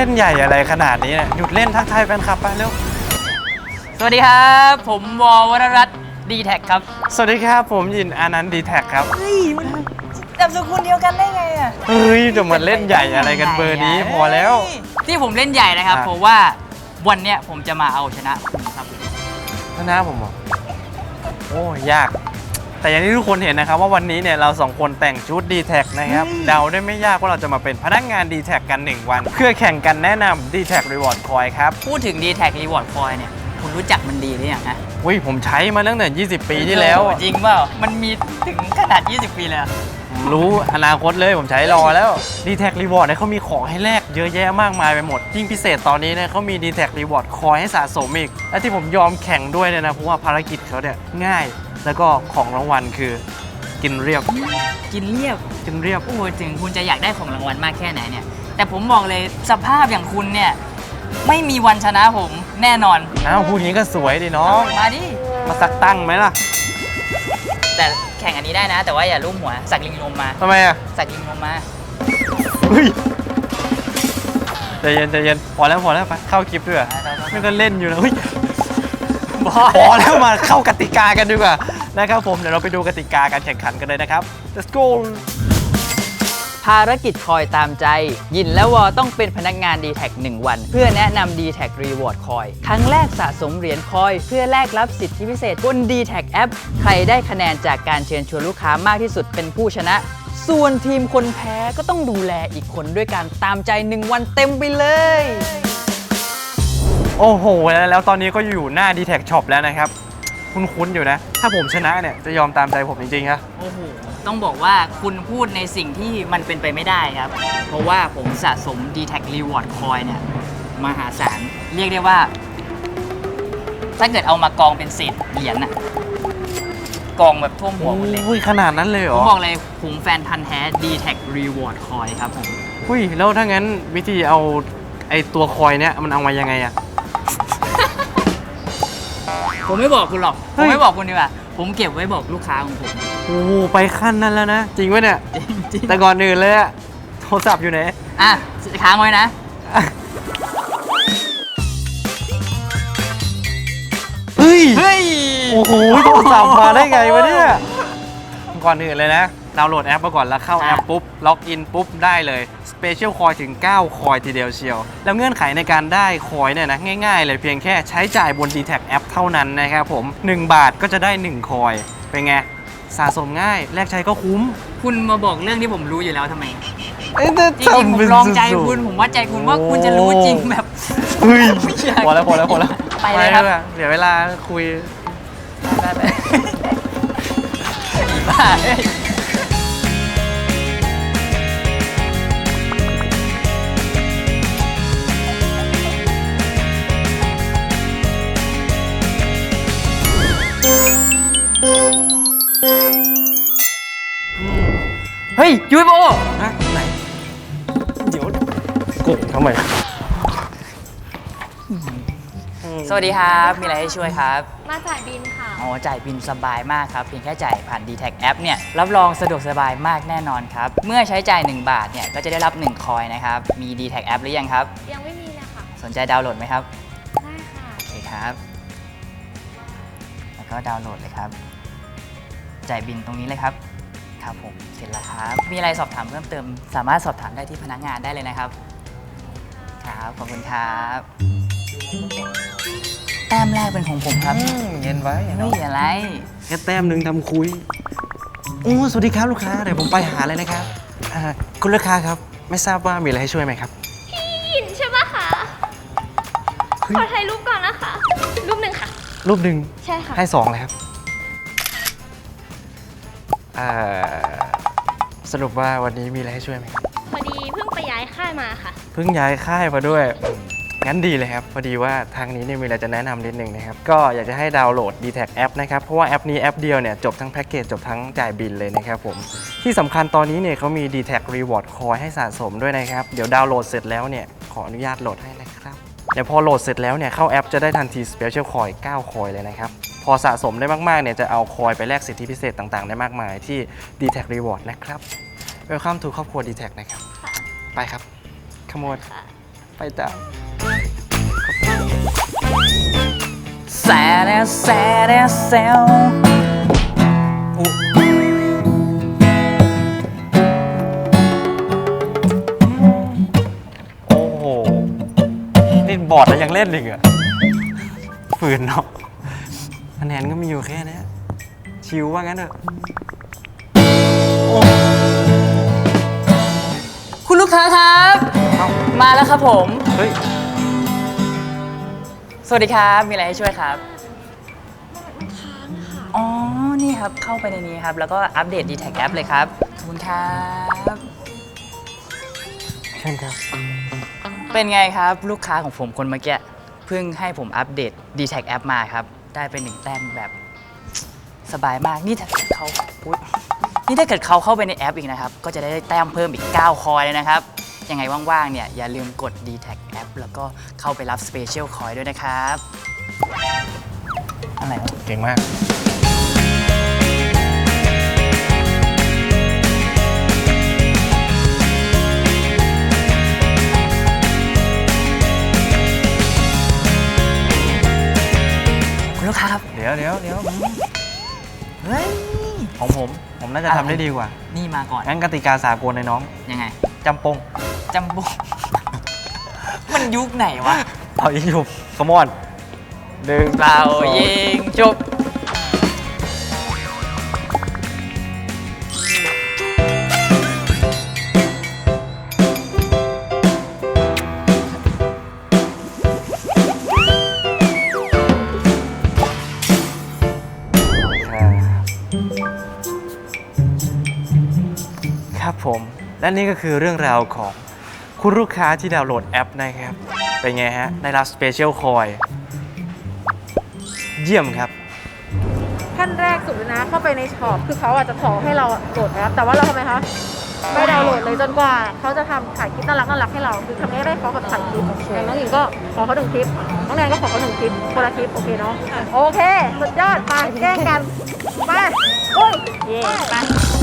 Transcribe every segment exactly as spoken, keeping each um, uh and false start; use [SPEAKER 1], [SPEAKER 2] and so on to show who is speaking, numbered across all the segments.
[SPEAKER 1] ล่นใหญ่อะไรขนาดนี้เนี่ยหยุดเล่นทักทายแฟนคลับไปเร็ว
[SPEAKER 2] สวัสดีครับผมวอวรรัตน์ดีแท็กครับ
[SPEAKER 1] สวัสดีครับผมยินอานันต์ดีแท็กครับ
[SPEAKER 2] เฮ้ยมันนามสกุลเดียวกันได้ไงอ่ะ
[SPEAKER 1] เฮ้ยจะมาเล่นใหญ่อะไรกันเบอร์นี้พอแล้ว
[SPEAKER 2] ที่ผมเล่นใหญ่นะครับเพราะว่าวันเนี้ยผมจะมาเอาชนะคุณครับ
[SPEAKER 1] ชนะผมเหรอโอ้ยากแต่อย่างที่ทุกคนเห็นนะครับว่าวันนี้เนี่ยเราสองคนแต่งชุด ดี แท็ก นะครับเดาได้ไม่ยากว่าเราจะมาเป็นพนักงาน ดี แท็ก กันหนึ่งวันเพื่อแข่งกันแนะนำ ดี แท็ก Reward Coin ครับ
[SPEAKER 2] พูดถึง ดี แท็ก Reward Coin เนี่ยคุณรู้จักมันดีหรือยังฮะ
[SPEAKER 1] อุ้ยผมใช้มาตั้งแต่ยี่สิบปีที่แล้ว
[SPEAKER 2] จริงเปล่ามันมีถึงขนาดยี่สิบปีเลย
[SPEAKER 1] รู้อนาคตเลยผมใช้รอแล้ว ดี แท็ก Reward เนี่ยเขามีของให้แลกเยอะแยะมากมายไปหมดยิ่งพิเศษตอนนี้เนี่ยเขามี ดี แท็ก Reward Coin ให้สะสมอีกและที่ผมยอมแข่งด้วยเนี่ยนะเพราะว่าภารกิจเขาเนี่ยง่ายแล้วก็ของรางวัลคือกินเรียบ
[SPEAKER 2] กินเรียบ
[SPEAKER 1] กินเรียบ
[SPEAKER 2] โอ้ถึงคุณจะอยากได้ของรางวัลมากแค่ไหนเนี่ยแต่ผมบอกเลยสภาพอย่างคุณเนี่ยไม่มีวันชนะผมแน่นอน
[SPEAKER 1] อ้าวพูดอย่างนี้ก็สวยดิน้อง
[SPEAKER 2] มาดิ
[SPEAKER 1] มาสักตั้งไหมล่ะ
[SPEAKER 2] แต่แข่งอันนี้ได้นะแต่ว่าอย่าลุ่มหัวสักลิงลมมา
[SPEAKER 1] ทำไมอ่ะ
[SPEAKER 2] สักลิงลมมา
[SPEAKER 1] เฮ้ยใจเย็นใจเย็นพอแล้วพอแล้วไปเข้าคลิปด้วยไม่ก็เล่นอยู่นะเฮ้ยพอแล้วมาเข้ากติกากันดีกว่านะครับผมเดี๋ยวเราไปดูกติกาการแข่งขันกันเลยนะครับ let's go
[SPEAKER 2] ภารกิจคอยตามใจยินและวอต้องเป็นพนักงาน ดี แท็ก หนึ่งวันเพื่อแนะนำ ดี แท็ก Reward Coin ครั้งแรกสะสมเหรียญคอยเพื่อแลกรับสิทธิพิเศษบน ดี แท็ก แอปใครได้คะแนนจากการเชิญชวนลูกค้ามากที่สุดเป็นผู้ชนะส่วนทีมคนแพ้ก็ต้องดูแลอีกคนด้วยการตามใจหนึ่งวันเต็มไปเลย
[SPEAKER 1] โอ้โหแล้วตอนนี้ก็อยู่หน้า ดี แท็ก Shop แล้วนะครับคุ้นๆอยู่นะถ้าผมชนะเนี่ยจะยอมตามใจผมจริงๆครับ
[SPEAKER 2] โอ้โหต้องบอกว่าคุณพูดในสิ่งที่มันเป็นไปไม่ได้ครับเพราะว่าผมสะสม ดี แท็ก Reward Coin เนี่ยมหาศาลเรียกได้ว่าถ้าเกิดเอามากองเป็นเศษเหรียญน่ะกองแบบท่วมหัวหมดเลย
[SPEAKER 1] อุ้ยขนาดนั้นเลยเหรอ
[SPEAKER 2] ผมบอกเลยผมแฟนพันธุ์แท้ ดี แท็ก Reward Coin ครับผม
[SPEAKER 1] อุ้ยแล้วถ้างั้นวิธีเอาไอตัวคอยเนี่ยมันเอามายังไงอะ
[SPEAKER 2] ผมไม่บอกคุณหรอกผมไม่บอกคุณดีกว่าผมเก็บไว้บอกลูกค้าของผม
[SPEAKER 1] โอ้ไปขั้นนั้นแล้วนะจริงไหมเนี่ย
[SPEAKER 2] จริง
[SPEAKER 1] แต่ก่อนอื่นเลยอะโทรศัพท์อยู่ไหน
[SPEAKER 2] อ่ะค้างไว้นะ
[SPEAKER 1] เฮ้ย
[SPEAKER 2] เฮ้ย
[SPEAKER 1] โอ้โหโทรศัพท์มาได้ไงวะเนี่ยก่อนอื่นเลยนะดาวน์โหลดแอปมาก่อนแล้วเข้าแอปปุ๊บล็อกอินปุ๊บได้เลยสเปเชียลคอยถึงเก้าคอยทีเดียวเชียวแล้วเงื่อนไขในการได้คอยเนี่ยนะง่ายๆเลยเพียงแค่ใช้จ่ายบน ดี แท็ก แอปเท่านั้นนะครับผมหนึ่งบาทก็จะได้หนึ่งคอยเป็นไงสะสมง่ายแลกใช้ก็คุ้ม
[SPEAKER 2] คุณมาบอกเรื่องที่ผมรู้อยู่แล้วทำไม
[SPEAKER 1] จริง
[SPEAKER 2] ๆผมลองใจคุณผมว่าใจคุณว่าคุณจะรู้จริงแบบ
[SPEAKER 1] เฮ้ยพอแล้วพอแล้วพอแล้ว
[SPEAKER 2] ไปเลยครับ
[SPEAKER 1] เดี๋ยวเวลาคุย
[SPEAKER 2] ไปไปบ้าเฮ้ยยูโบ
[SPEAKER 1] ฮะไหนเดี๋ยวกดทำไม
[SPEAKER 2] สวัสดีครับมีอะไรให้ช่วยครับ
[SPEAKER 3] มาจ่ายบินค่ะ
[SPEAKER 2] อ๋อจ่ายบินสบายมากครับเพียงแค่จ่ายผ่าน ดี แท็ก แอปเนี่ยรับรองสะดวกสบายมากแน่นอนครับเมื่อใช้จ่ายหนึ่งบาทเนี่ยก็จะได้รับหนึ่งคอยนะครับมี ดี แท็ก แอปหรือยังครับ
[SPEAKER 3] ยังไม่มีเลยค่ะ
[SPEAKER 2] สนใจดาวน์โหลดไหมครับ
[SPEAKER 3] ได้ค่ะ
[SPEAKER 2] โอเคครับแล้วก็ดาวน์โหลดเลยครับจ่ายบินตรงนี้เลยครับครับผมเสร็จแล้วครับมีอะไรสอบถามเพิ่มเติมสามารถสอบถามได้ที่พนักงานได้เลยนะครับครับขอบคุณครับแต้มแรกเป็นของผมครับ
[SPEAKER 1] เย็นไว้
[SPEAKER 2] ไม่อะไร
[SPEAKER 1] แค่แต้มหนึ่งทำคุยโอ้สวัสดีครับลูกค้าเดี๋ยวผมไปหาเลยนะครับคุณลูกค้าครับไม่ทราบว่ามีอะไรให้ช่วยไหมครับ
[SPEAKER 3] พี่ยินใช่ไหมคะขอถ่ายรูปก่อนนะคะรูปหนึ่งค่ะ
[SPEAKER 1] รูปหนึ่ง
[SPEAKER 3] ใช่ค่ะ
[SPEAKER 1] ให้สองเลยครับสรุปว่าวันนี้มีอะไรให้ช่วยไหมครับ
[SPEAKER 3] พอดีเพิ่งไปย้ายค่ายมาค่ะ
[SPEAKER 1] เพิ่งย้ายค่ายมาด้วยงั้นดีเลยครับพอดีว่าทางนี้เนี่ยมีอะไรจะแนะนำนิดนึงนะครับก็อยากจะให้ดาวน์โหลด ดี แท็ก แอปนะครับเพราะว่าแอปนี้แอปเดียวเนี่ยจบทั้งแพ็กเกจจบทั้งจ่ายบินเลยนะครับผมที่สำคัญตอนนี้เนี่ยเขามี ดี แท็ก Reward Coin ให้สะสมด้วยนะครับเดี๋ยวดาวน์โหลดเสร็จแล้วเนี่ยขออนุญาตโหลดให้นะครับเดี๋ยวพอโหลดเสร็จแล้วเนี่ยเข้าแอปจะได้ทันที Special Coin เก้าคอยเลยนะครับพอสะสมได้มากๆเนี่ยจะเอาคอยไปแลกสิทธิพิเศษต่างๆได้มากมายที่ ดี แท็ก Reward นะครับ Welcome to ครอบครัว ดี แท็ก นะครับไปครับขโมยไปจ้า
[SPEAKER 2] แซดแซดแซว
[SPEAKER 1] โอ้โหนี่บอร์ดแล้วยังเล่นอีกเหรอฝืนเนาะคะแนนก็มีอยู่แค่นี้ชิวว่างั้นเถอะ
[SPEAKER 2] คุณลูกค้าครับ
[SPEAKER 1] เอ้า
[SPEAKER 2] มาแล้วครับผม
[SPEAKER 1] เฮ้ย
[SPEAKER 2] สวัสดีครับมีอะไรให้ช่วยครับอ๋อนี่ครับเข้าไปในนี้ครับแล้วก็อัปเดต ดี แท็ก แอปเลยครับขอบคุณครับ
[SPEAKER 1] เช่นครับ
[SPEAKER 2] เป็นไงครับลูกค้าของผมคนเมื่อกี้เพิ่งให้ผมอัปเดต ดี แท็ก แอปมาครับได้เป็นหนึ่งแต้มแบบสบายมากนี่ถ้าเกิดเขาอุ๊ยนี่ถ้าเกิดเขาเข้าไปในแอปอีกนะครับก็จะได้แต้มเพิ่มอีกเก้าคอยเลยนะครับยังไงว่างๆเนี่ยอย่าลืมกด ดี แท็ก แอปแล้วก็เข้าไปรับ Special Coin ด้วยนะครับอะไรวะ
[SPEAKER 1] เก่งมาก
[SPEAKER 2] คุณลูกค้าครับ
[SPEAKER 1] เดี๋ยวเดี๋ยวเดี๋ยว
[SPEAKER 2] เฮ้ย
[SPEAKER 1] ของผม ผมน่าจะทำได้ดีกว่า
[SPEAKER 2] นี่มาก่อน
[SPEAKER 1] งั้นกติกาสากลในน้อง
[SPEAKER 2] ยังไง
[SPEAKER 1] จำปง
[SPEAKER 2] จำบุ มันยุคไหนวะ
[SPEAKER 1] เอาอีกอยู่ขมอนหนึ่ง
[SPEAKER 2] เปล่ายิงจบ
[SPEAKER 1] ครับผม และนี่ก็คือเรื่องราวของคุณลูกค้าที่ดาวน์โหลดแอปนะครับ เป็นไงฮะ ได้รับสเปเชียลคอยเยี่ยมครับ
[SPEAKER 4] ขั้นแรกสุดเลยนะเข้าไปในช็อปคือเขาอาจจะขอให้เราโหลดแอปแต่ว่าเราทำไมคะไม่ดาวน์โหลดเลยจนกว่าเขาจะทำถ่ายคลิปน่ารักน่ารักให้เราคือทำให้ได้เขาแบบถ่ายคลิปอย่างน้องหญิงก็ขอเขาหนึ่งคลิปน้องแนนก็ขอเขาหนึ่งคลิปคนละคลิปโอเคเนาะโอเคสุดยอดไปแกล้งกันไปโอ้ยเย่ไป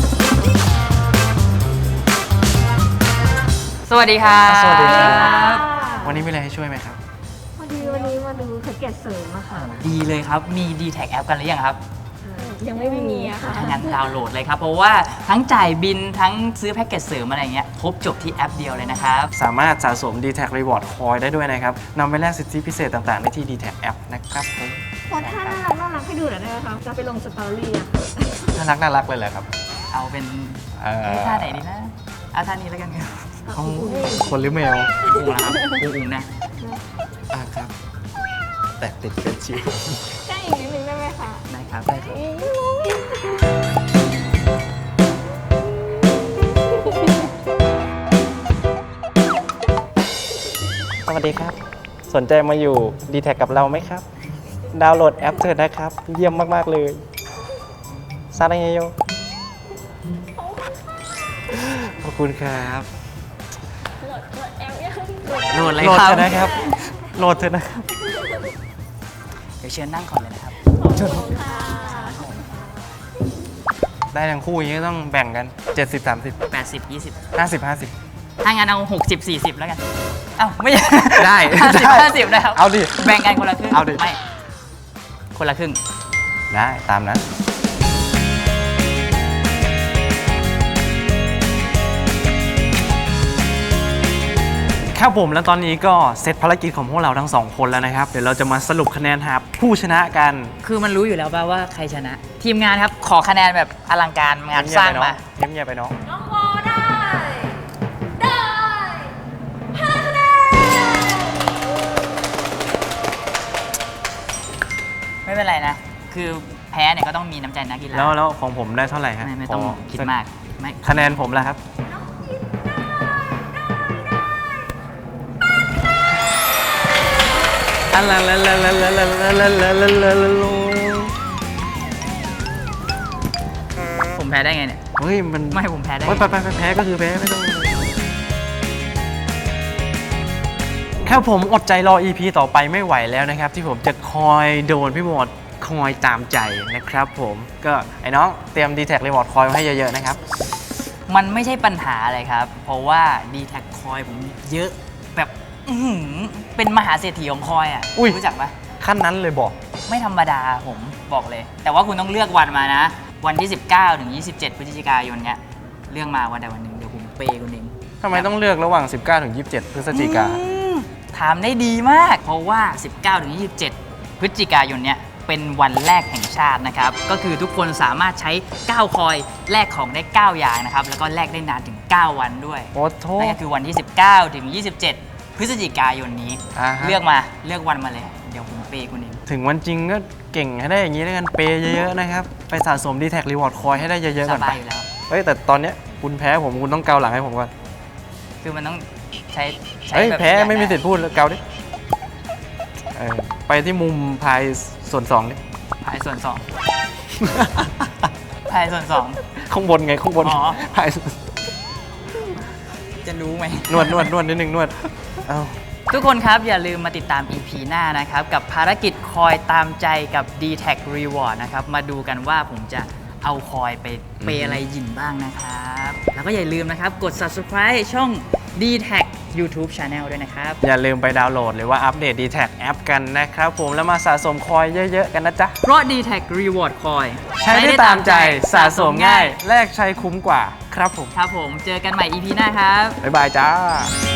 [SPEAKER 2] สวัสดีครับ
[SPEAKER 1] สวัสดีครับ วันนี้มีอะไรให้ช่วยไหมครับ
[SPEAKER 4] วันนี้วันนี้มาดูแพ็กเกจเสริมอะค่ะ
[SPEAKER 2] ดีเลยครับ มี ดี แท็ก แอปกันหรือยังครับ
[SPEAKER 4] ยังไม่มีอะค่ะ
[SPEAKER 2] ถ้างั้นดาวน์โหลดเลยครับ เพราะว่าทั้งจ่ายบินทั้งซื้อแพ็กเกจเสริมอะไรเงี้ยครบจบที่แอปเดียวเลยนะครับ
[SPEAKER 1] สามารถสะสม ดี แท็ก Reward Coin ได้ด้วยนะครับนำไปแลกสิทธิพิเศษต่างๆ ได้ที่ ดี แท็ก App นะครับผม
[SPEAKER 4] พอท่าน่ารักน่ารักให้ดูหน่อยได้ไหมคะจะไปลงสตอรี่อะ
[SPEAKER 1] น่ารักน่ารักเลยแหละครับ
[SPEAKER 2] เอาเป็น
[SPEAKER 1] เอ่อ
[SPEAKER 2] เอ๊ะท่าไหนดีนะ เอาท่านี้แล้วกันครับ
[SPEAKER 1] เอาคนหรือแมว
[SPEAKER 2] อุ้งนะครับอุ้งๆนะ
[SPEAKER 1] อ่ะครับ แต่ติดเป็นชิว
[SPEAKER 4] ใกล้อีกนิดนึงได้ไหมคะ
[SPEAKER 2] ได้ครับได้ครับ
[SPEAKER 1] สวัสดีครับ สนใจมาอยู่ ดี แท็ก กับเราไหมครับ ดาวน์โหลดแอปเถิดนะครับ เยี่ยมมาก ๆ เลยซาดาเฮโยขอบคุณครับ
[SPEAKER 2] โหลดเลย
[SPEAKER 1] โหลด
[SPEAKER 2] ครั
[SPEAKER 1] เถ
[SPEAKER 2] บ
[SPEAKER 1] อะนะครับ โหลดเถอะนะครับ
[SPEAKER 2] เดี๋ยวเชิญนั่งก่อนเลยนะครับ
[SPEAKER 1] ได้ทั้งคู่อย่างนี้ต้องแบ่งกัน เจ็ดสิบ สามสิบ
[SPEAKER 2] แปดสิบ ยี่สิบ
[SPEAKER 1] ห้าสิบ ห้าสิบ
[SPEAKER 2] ถ้างั้นเอาหกสิบ สี่สิบแล้วกัน เอ้าไม่ใช่
[SPEAKER 1] ได้
[SPEAKER 2] ห้าสิบ
[SPEAKER 1] ได้
[SPEAKER 2] ห้าสิบนะครับ
[SPEAKER 1] เอาดิ
[SPEAKER 2] แบ่งกันคนละครึ่ง
[SPEAKER 1] เอาดิ
[SPEAKER 2] ไม่ คนละครึ่ง
[SPEAKER 1] ได้ตามนั้น ครับผมแล้วตอนนี้ก็เสร็จภารกิจของพวกเราทั้งสองคนแล้วนะครับ เดี๋ยวเราจะมาสรุปคะแนนหาผู้ชนะกัน
[SPEAKER 2] คือมันรู้อยู่แล้วป่ะว่าใครชนะ ทีมงานครับ ขอคะแนนแบบอลังการงานสร้างมา
[SPEAKER 1] เงียบเงียบๆไปน้อง
[SPEAKER 3] น้องวอได้ ได้ห้าคะแนน
[SPEAKER 2] ไม่เป็นไรนะ คือแพ้เนี่ยก็ต้องมีน้ำใจนักกีฬา
[SPEAKER 1] แล้วแล้วของผมได้เท่าไหร่ฮะ
[SPEAKER 2] ไม่ไม่ต้อง
[SPEAKER 1] ข
[SPEAKER 2] คิดมากไม่
[SPEAKER 1] คะแนนผมแล้วครับ อันละละละละละละละละละละละ
[SPEAKER 2] ผมแพ้ได้ไงเนี่ย
[SPEAKER 1] เฮ้ยมัน
[SPEAKER 2] ไม่ผมแพ้ได้
[SPEAKER 1] โอ๊ยไปไปไปแพ้ก็คือแพ้ไม่ต้องครับผมอดใจรอ อี พี ต่อไปไม่ไหวแล้วนะครับ ที่ผมจะคอยโดนพี่หมดคอยตามใจนะครับผมก็ไอ้น้องเตรียม ดี แท็ก Reward คอยไว้ให้เยอะๆนะครับ
[SPEAKER 2] มันไม่ใช่ปัญหาอะไรครับ เพราะว่า ดี แท็ก คอยผมเยอะแบบอื้อหือเป็นมหาเศรษฐีของคอยอ่ะ
[SPEAKER 1] อุ้ย
[SPEAKER 2] รู้จักปะ
[SPEAKER 1] ขั้นนั้นเลยบอก
[SPEAKER 2] ไม่ธรรมดาผมบอกเลย แต่ว่าคุณต้องเลือกวันมานะ วันที่ สิบเก้า ถึง ยี่สิบเจ็ด พฤศจิกายนเนี้ยเลือกมาวันใดวันหนึ่งเดี๋ยวผมเปย์คุณเอง
[SPEAKER 1] ทำไมต้องเลือกระหว่าง สิบเก้า ถึง ยี่สิบเจ็ด พฤศจิกา
[SPEAKER 2] อืมถามได้ดีมาก เพราะว่า สิบเก้า ถึง ยี่สิบเจ็ด พฤศจิกายนเนี้ยเป็นวันแรกแห่งชาตินะครับ ก็คือทุกคนสามารถใช้ เก้า คอยแลกของได้ เก้า อย่างนะครับ แล้วก็แลกได้นานถึง เก้า วันด้วย
[SPEAKER 1] โอ้โท
[SPEAKER 2] นั่นก็คือวันที่ สิบเก้า ถึง ยี่สิบเจ็ด พฤศจิกายนนี้
[SPEAKER 1] อ่าฮะ
[SPEAKER 2] เลือกมาเลือกวันมาเลย เดี๋ยวผมเปย์คุณเอง
[SPEAKER 1] ถึงวันจริงก็เก่งให้ได้อย่างนี้แล้วกัน เปย์เยอะๆนะครับ ไปสะสม ดี แท็ก Reward Coin ให้ได้เยอะๆ
[SPEAKER 2] ส
[SPEAKER 1] ก่อน
[SPEAKER 2] บา
[SPEAKER 1] ไป
[SPEAKER 2] ยอยู่แล้ว
[SPEAKER 1] เฮ้ย แต่ตอนเนี้ยคุณแพ้ผมคุณต้องเกาหลังให้ผมก่อน
[SPEAKER 2] คือมันต้องใช้ใช้
[SPEAKER 1] เฮ้ย
[SPEAKER 2] แบบ
[SPEAKER 1] แพ้
[SPEAKER 2] อย่าง
[SPEAKER 1] ไม่มี
[SPEAKER 2] นั้น
[SPEAKER 1] สิทธิ์พูดเลยเกาดิเออไปที่มุมพายส่วนสองดิ
[SPEAKER 2] พายส่วนสอง พายส่วนสอง
[SPEAKER 1] ข้างบนไงข้างบน
[SPEAKER 2] อ๋อ
[SPEAKER 1] พายส่วน
[SPEAKER 2] จะรู้ไหม
[SPEAKER 1] นวดนวดนวดนิดนึงนวด เอ้า
[SPEAKER 2] ทุกคนครับอย่าลืมมาติดตาม อี พี หน้านะครับ กับภารกิจคอยตามใจกับ ดี แท็ก Reward นะครับ มาดูกันว่าผมจะเอาคอยไปเปย์อะไรหยินบ้างนะครับ แล้วก็อย่าลืมนะครับกด Subscribe ช่อง ดี แท็ก YouTube Channel ด้วยนะครับ
[SPEAKER 1] อย่าลืมไปดาวน์โหลดหรือว่าอัปเดต ดี แท็ก แอปกันนะครับผมแล้วมาสะสมคอยเยอะๆกันนะจ๊ะ
[SPEAKER 2] เพราะ ดี แท็ก Reward คอย
[SPEAKER 1] ใช้ได้ตามใจสะสมง่าย แลกใช้คุ้มกว่าครับผม
[SPEAKER 2] ครับผมเจอกันใหม่ อี พี หน้าครับ
[SPEAKER 1] บ๊ายบายจ้า